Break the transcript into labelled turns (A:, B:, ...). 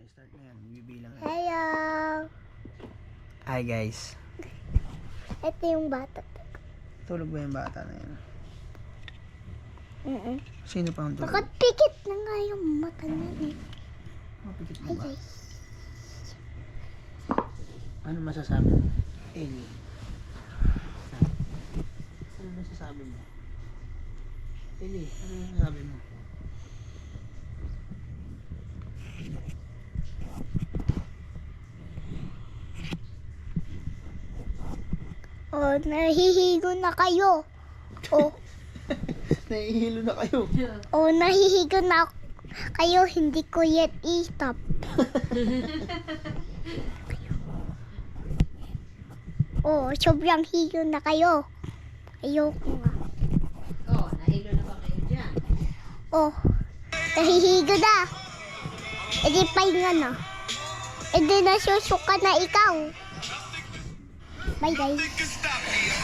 A: Start na yan. Bibilang yan.
B: Hello.
A: Hi guys.
B: Ito yung bata.
A: Tulog ba yung bata na yan? Sino pa ang tulog?
B: Bakit pikit na nga yung mata niya eh.
A: Mapikit mo
B: Hi
A: ba?
B: guys.
A: Ano masasabi mo? Ellie. Ano masasabi mo? Ellie, ano masasabi mo?
B: Oh, nahihigo na kayo. Oh,
A: Nahihilo na kayo.
B: oh, nahihigo na kayo. Hindi ko yet i-stop. Oh, sobrang higo na kayo. Ayoko nga.
C: Oh, nahilo na ba kayo dyan?
B: Oh, nahihigo na. E di pahinga na. E di nasusuka na ikaw. Bye guys.